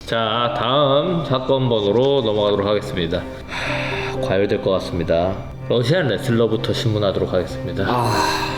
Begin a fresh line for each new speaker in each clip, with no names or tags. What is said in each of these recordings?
자, 다음 사건 번호로 넘어가도록 하겠습니다. 과열될 것 같습니다. 러시안 레슬러부터 신문하도록 하겠습니다.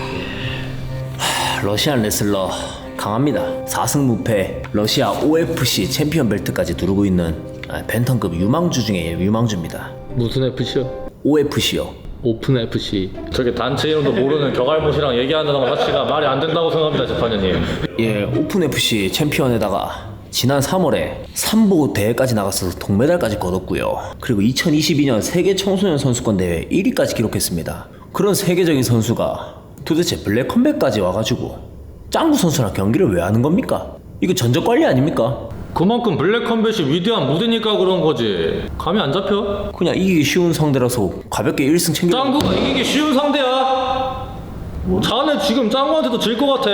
러시안 레슬러 강합니다. 4승 무패, 러시아 OFC 챔피언 벨트까지 두르고 있는 벤턴급 유망주 중에 유망주입니다.
무슨 FC요?
OFC요.
오픈 FC.
저게 단체 이름도 모르는 격알못이랑 얘기한다는 것 자체가 말이 안 된다고 생각합니다, 재판장님.
예, 오픈 FC 챔피언에다가 지난 3월에 삼보 대회까지 나가서 동메달까지 거뒀고요. 그리고 2022년 세계 청소년 선수권 대회 1위까지 기록했습니다. 그런 세계적인 선수가 도대체 블랙 컴백까지 와가지고 짱구 선수랑 경기를 왜 하는 겁니까? 이거 전적 관리 아닙니까?
그만큼 블랙 컴뱃이 위대한 무대니까 그런 거지. 감이 안 잡혀?
그냥 이기기 쉬운 상대라서 가볍게 1승 챙겨.
짱구가 이기기 쉬운 상대야. 자네 지금 짱구한테도 질 것 같아.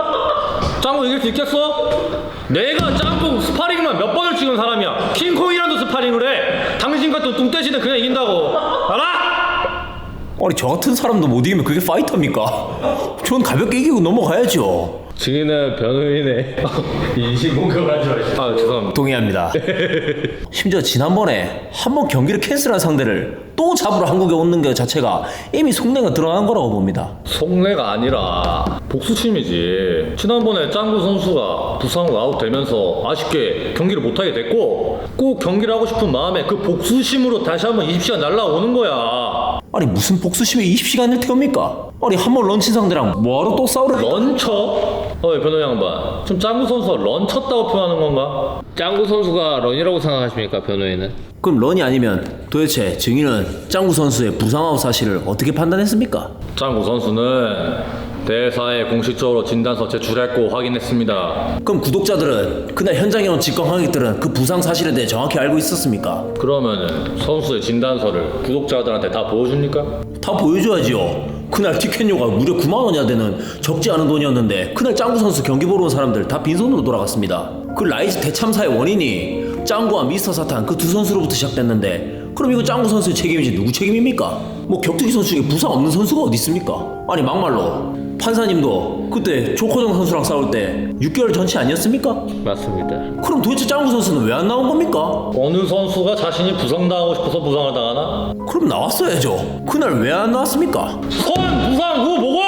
짱구 이길 수 있겠어? 내가 짱구 스파링만 몇 번을 찍은 사람이야. 킹콩이랑도 스파링을 해. 당신 같은 뚱떼시는 그냥 이긴다고. 알아?
아니 저 같은 사람도 못 이기면 그게 파이터입니까? 전 가볍게 이기고 넘어가야죠.
증인은 변호인의 인신 공격을 하지 마시죠.
아 죄송합니다.
동의합니다. 심지어 지난번에 한 번 경기를 캔슬한 상대를 또 잡으러 한국에 오는 것 자체가 이미 속내가 드러난 거라고 봅니다.
속내가 아니라 복수심이지. 지난번에 짱구 선수가 부상으로 아웃되면서 아쉽게 경기를 못하게 됐고 꼭 경기를 하고 싶은 마음에 그 복수심으로 다시 한번 20시간 날라오는 거야.
아니 무슨 복수심에 20시간을 태웁니까? 아니 한 번 런치 상대랑 뭐하러 또 싸우려?
런처? 변호 양반, 지금 짱구 선수가 런쳤다고 표현하는 건가?
짱구 선수가 런이라고 생각하십니까, 변호인은?
그럼 런이 아니면 도대체 증인은 짱구 선수의 부상 아웃 사실을 어떻게 판단했습니까?
짱구 선수는 대사에 공식적으로 진단서 제출했고 확인했습니다.
그럼 구독자들은 그날 현장에 온 직관관객들은 그 부상 사실에 대해 정확히 알고 있었습니까?
그러면은 선수의 진단서를 구독자들한테 다 보여줍니까?
다 보여줘야지요. 그날 티켓료가 무려 9만 원이나 되는 적지 않은 돈이었는데 그날 짱구 선수 경기 보러 온 사람들 다 빈손으로 돌아갔습니다. 그 라이즈 대참사의 원인이 짱구와 미스터 사탄 그 두 선수로부터 시작됐는데 그럼 이거 짱구 선수의 책임이지 누구 책임입니까? 뭐 격투기 선수 중에 부상 없는 선수가 어디 있습니까? 아니 막말로 판사님도 그때 조커정 선수랑 싸울 때 6개월 전치 아니었습니까?
맞습니다.
그럼 도대체 짱구 선수는 왜 안 나온 겁니까?
어느 선수가 자신이 부상당하고 싶어서 부상을 당하나?
그럼 나왔어야죠. 그날 왜 안 나왔습니까?
선 부상 후 보고!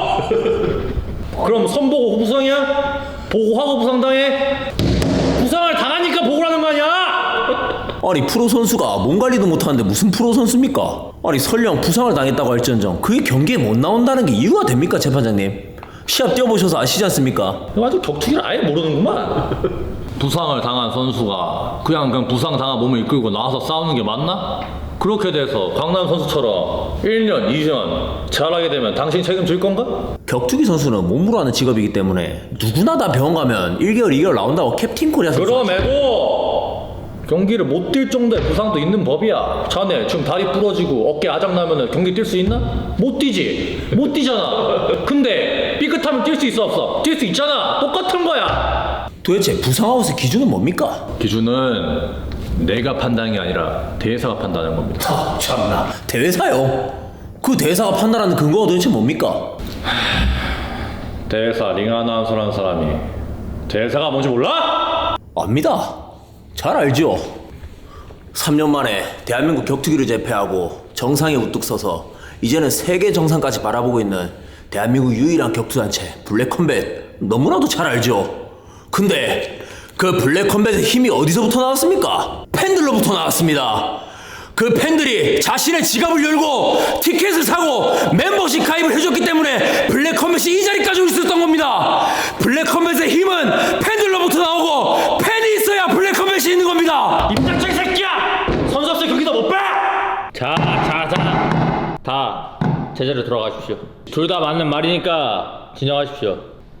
그럼 선 보고 후 부상이야? 보고하고 부상당해? 부상을 당하니까 보고라는 거 아니야?
아니 프로 선수가 몸 관리도 못하는데 무슨 프로 선수입니까? 아니 설령 부상을 당했다고 할지언정 그게 경기에 못 나온다는 게 이유가 됩니까 재판장님? 시합 뛰어보셔서 아시지 않습니까?
아주 격투기를 아예 모르는구만. 부상을 당한 선수가 그냥 부상 당한 몸을 이끌고 나와서 싸우는 게 맞나? 그렇게 돼서 강남 선수처럼 1년, 2년 잘하게 되면 당신 책임질 건가?
격투기 선수는 몸으로 하는 직업이기 때문에 누구나 다 병원 가면 1개월, 2개월 나온다고 캡틴 코리아 선수
그럼에도 경기를 못 뛸 정도의 부상도 있는 법이야. 자네 지금 다리 부러지고 어깨 아작 나면은 경기 뛸 수 있나? 못 뛰지. 못 뛰잖아. 근데 삐끗하면 뛸 수 있어 없어? 뛸 수 있잖아. 똑같은 거야.
도대체 부상 아웃의 기준은 뭡니까?
기준은 내가 판단이 아니라 대사가 판단하는 겁니다.
참나 대회사요? 그 대사가 판단하는 근거가 도대체 뭡니까?
대사 링 아나운서라는 사람이 대사가 뭔지 몰라?
압니다. 잘 알죠. 3년 만에 대한민국 격투기를 제패하고 정상에 우뚝 서서 이제는 세계 정상까지 바라보고 있는 대한민국 유일한 격투단체 블랙컴뱃 너무나도 잘 알죠. 근데 그 블랙컴뱃의 힘이 어디서부터 나왔습니까? 팬들로부터 나왔습니다. 그 팬들이 자신의 지갑을 열고 티켓을 사고 멤버십 가입을 해줬기 때문에 블랙컴뱃이 이 자리까지 올 수 있었던 겁니다. 블랙컴뱃의 힘은 팬들로부터 나오고 팬이 있어야 블랙컴뱃이 있는 겁니다.
임작자 이 새끼야! 선수 없이 경기도 못 봐!
자, 다 제자리로 돌아가십시오. 둘 다 맞는 말이니까 진정하십시오.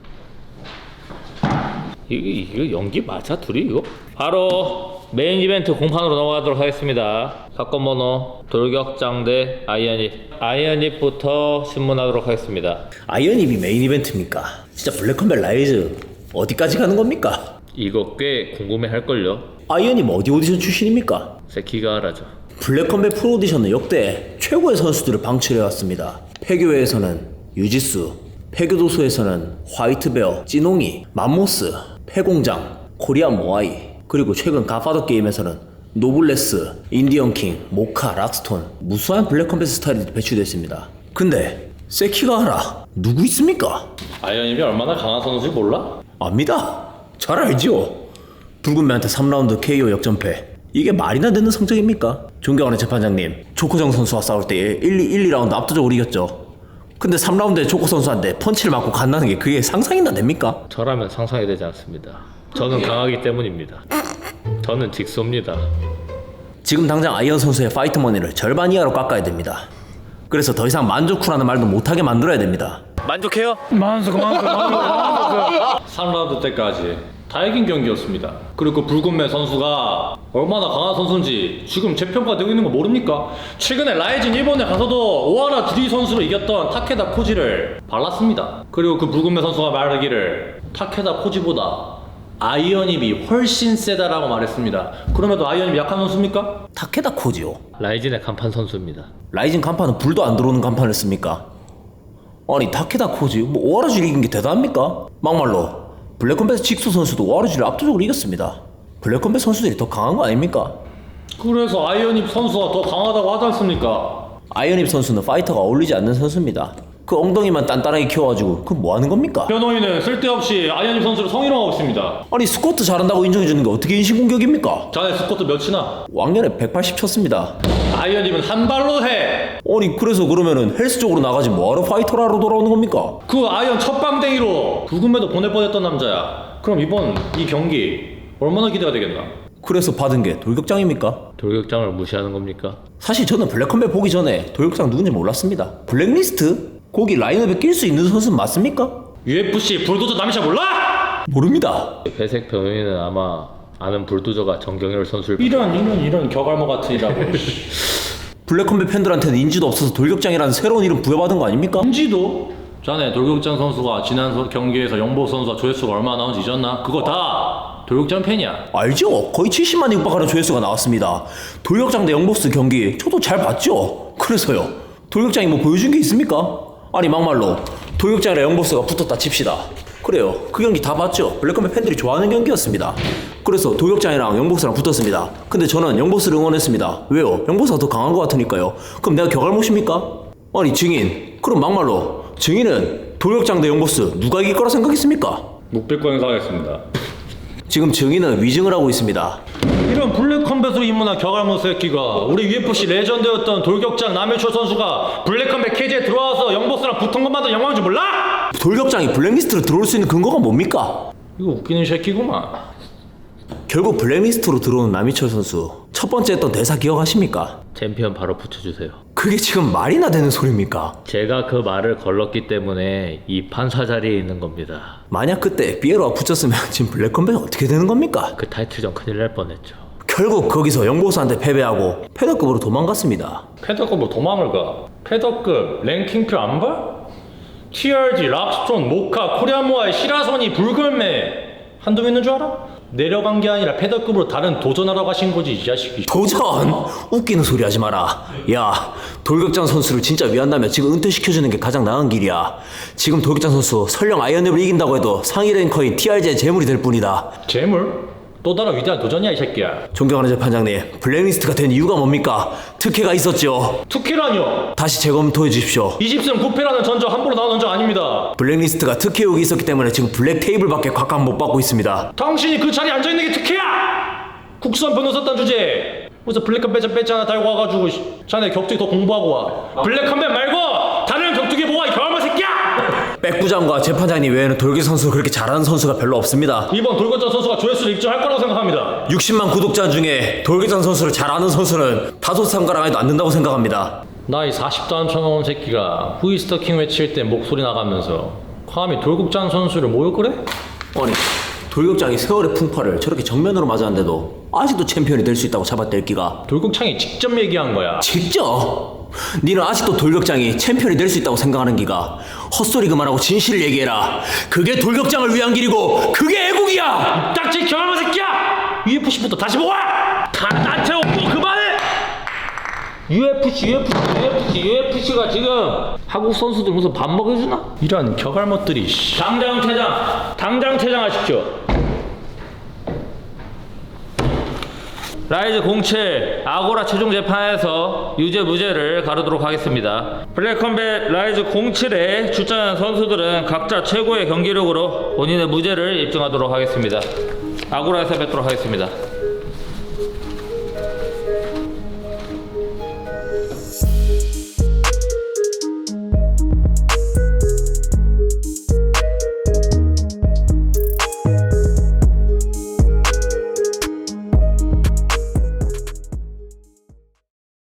이거 연기 맞아? 둘이 이거? 바로 메인 이벤트 공판으로 넘어가도록 하겠습니다. 사건 번호 돌격장 대 아이언입부터 신문하도록 하겠습니다.
아이언입이 메인 이벤트입니까? 진짜 블랙컴뱃 라이즈 어디까지 가는 겁니까?
이거 꽤 궁금해할걸요?
아이언입 어디 오디션 출신입니까?
세키가 하라죠.
블랙컴뱃 프로 오디션은 역대 최고의 선수들을 방출해왔습니다. 폐교회에서는 유지수, 폐교도소에서는 화이트베어, 찌농이, 맘모스, 폐공장, 코리안 모아이, 그리고 최근 가파더 게임에서는 노블레스, 인디언 킹, 모카, 락스톤 무수한 블랙 컴뱃 스타일이 배출됐습니다. 근데 세키가 하나 누구 있습니까?
아이언님이 얼마나 강한 선수인지 몰라?
압니다. 잘 알지요. 붉은 매한테 3라운드 KO 역전패. 이게 말이나 되는 성적입니까? 존경하는 재판장님, 조코정 선수와 싸울 때 2라운드 압도적으로 이겼죠. 근데 3라운드에 조코 선수한테 펀치를 맞고 간다는 게 그게 상상이나 됩니까?
저라면 상상이 되지 않습니다. 저는 강하기 때문입니다. 저는 직소입니다.
지금 당장 아이언 선수의 파이트 머니를 절반 이하로 깎아야 됩니다. 그래서 더 이상 만족후라는 말도 못하게 만들어야 됩니다. 만족해요?
3라운드 때까지 다 이긴 경기였습니다. 그리고 붉은매 선수가 얼마나 강한 선수인지 지금 재평가되고 있는 거 모릅니까? 최근에 라이징 일본에 가서도 오하라 드리 선수를 이겼던 타케다 코지를 발랐습니다. 그리고 그 붉은매 선수가 말하기를 타케다 코지보다 아이언입이 훨씬 세다라고 말했습니다. 그럼에도 아이언입이 약한 선수입니까?
타케다 코지요.
라이진의 간판 선수입니다.
라이징 간판은 불도 안 들어오는 간판을 씁니까? 아니 타케다 코지 뭐 오하라지를 이긴 게 대단합니까? 막말로 블랙컴뱃 직수 선수도 오하라지를 압도적으로 이겼습니다. 블랙컴뱃 선수들이 더 강한 거 아닙니까?
그래서 아이언입 선수가 더 강하다고 하지 않습니까?
아이언입 선수는 파이터가 어울리지 않는 선수입니다. 그 엉덩이만 단단하게 키워가지고 그건 뭐 하는 겁니까?
변호인은 쓸데없이 아이언입 선수를 성희롱하고 있습니다.
아니 스쿼트 잘한다고 인정해주는 게 어떻게 인신공격입니까?
자네 스쿼트 몇이나?
왕년에 180 쳤습니다.
아이언입은 한 발로 해.
아니 그래서 그러면은 헬스 쪽으로 나가지 뭐하러 파이터로 하러 돌아오는 겁니까?
그 아이언 첫 방댕이로 붉은매도 보낼 뻔했던 남자야. 그럼 이번 이 경기 얼마나 기대가 되겠나?
그래서 받은 게 돌격장입니까?
돌격장을 무시하는 겁니까?
사실 저는 블랙컴뱃 보기 전에 돌격장 누군지 몰랐습니다. 블랙리스트? 거기 라인업에 낄 수 있는 선수는 맞습니까?
UFC 불도저 남이샤 몰라?
모릅니다.
회색 변호인은 아마 아는 불도저가 정경열 선수를
이런 격알모 같은 이라고.
블랙컴뱃 팬들한테는 인지도 없어서 돌격장이라는 새로운 이름 부여받은 거 아닙니까?
인지도? 자네 돌격장 선수가 지난 경기에서 영보 선수와 조회수가 얼마나 나온지 잊었나? 그거 다 돌격장 팬이야.
알죠? 거의 70만에 육박하는 조회수가 나왔습니다. 돌격장 대 영보스 경기 저도 잘 봤죠? 그래서요. 돌격장이 뭐 보여준 게 있습니까? 아니 막말로 돌격장이랑 영보스가 붙었다 칩시다. 그래요. 그 경기 다 봤죠? 블랙컴뱃 팬들이 좋아하는 경기였습니다. 그래서 돌격장이랑 영보스랑 붙었습니다. 근데 저는 영보스를 응원했습니다. 왜요? 영보스가 더 강한 것 같으니까요. 그럼 내가 격알못입니까? 아니 증인, 그럼 막말로 증인은 돌격장 대 영보스 누가 이길 거라 생각했습니까?
묵비권 행사하겠습니다.
지금 증인은 위증을 하고 있습니다.
이런 블랙컴뱃으로 입문한 격알모 새끼가 우리 UFC 레전드였던 돌격장 남일철 선수가 블랙컴뱃 케이지에 들어와서 영보스랑 붙은 것만도 영광인 줄 몰라?
돌격장이 블랙리스트로 들어올 수 있는 근거가 뭡니까?
이거 웃기는 새끼구만.
결국 블랙리스트로 들어온 남희철 선수 첫 번째 했던 대사 기억하십니까?
챔피언 바로 붙여주세요.
그게 지금 말이나 되는 소리입니까?
제가 그 말을 걸렀기 때문에 이 판사 자리에 있는 겁니다.
만약 그때 피에로가 붙였으면 지금 블랙컴뱃이 어떻게 되는 겁니까?
그 타이틀전 큰일 날 뻔했죠.
결국 거기서 영보스한테 패배하고 패더급으로 도망갔습니다.
패더급으로 도망을 가. 패더급 랭킹표 안 봐? TRG, 락스톤, 모카, 코리아모아의 시라소니, 붉은매 한두 명 있는 줄 알아? 내려간 게 아니라 패더급으로 다른 도전하러 가신 거지 이 자식이.
도전! 웃기는 소리 하지 마라. 야, 돌격장 선수를 진짜 위한다면 지금 은퇴시켜주는 게 가장 나은 길이야. 지금 돌격장 선수 설령 아이언랩을 이긴다고 해도 상위 랭커인 TRG의 재물이 될 뿐이다.
재물? 또 다른 위대한 도전이야 이 새끼야.
존경하는 재판장님, 블랙리스트가 된 이유가 뭡니까? 특혜가 있었죠.
특혜라뇨?
다시 재검토해 주십시오.
20승 9패라는 전적 함부로 나온 전적 아닙니다.
블랙리스트가 특혜 의혹이 있었기 때문에 지금 블랙 테이블밖에 곽감 못 받고 있습니다.
당신이 그 자리에 앉아있는 게 특혜야! 국선 변호사 딴 주제에 무슨 블랙컴뱃 배지 하나 달고 와가지고 자네 격투기 더 공부하고 와. 블랙컴뱃 말고 다른 격투기 뭐가 이 겨울마 새끼야!
백부장과 재판장님 외에는 돌격 선수 그렇게 잘하는 선수가 별로 없습니다.
이번 돌격전 선수가 조회수를 입증할 거라고 생각합니다.
60만 구독자 중에 돌격장 선수를 잘 아는 선수는 5상가랑 해도 안 된다고 생각합니다.
나이 40도 안 쳐먹은 새끼가 후이스터킹 외칠 때 목소리 나가면서 감히 돌격장 선수를 모욕 그래?
아니, 돌격장이 세월의 풍파를 저렇게 정면으로 맞았는데도 아직도 챔피언이 될 수 있다고 잡아댈 기가.
돌격창이 직접 얘기한 거야.
직접? 니는 아직도 돌격장이 챔피언이 될 수 있다고 생각하는 기가. 헛소리 그만하고 진실을 얘기해라. 그게 돌격장을 위한 길이고 그게 애국이야.
딱지 겨울마 새끼야! UFC부터 다시 모아! 다 나한테 오고 그만해!
UFC가 지금 한국 선수들 무슨 밥 먹여주나?
이런 격알못들이
당장 퇴장하십시오. 라이즈 07 아고라 최종 재판에서 유죄 무죄를 가르도록 하겠습니다. 블랙컴뱃 라이즈 07에 출전한 선수들은 각자 최고의 경기력으로 본인의 무죄를 입증하도록 하겠습니다. 아고라에서 뵙도록 하겠습니다.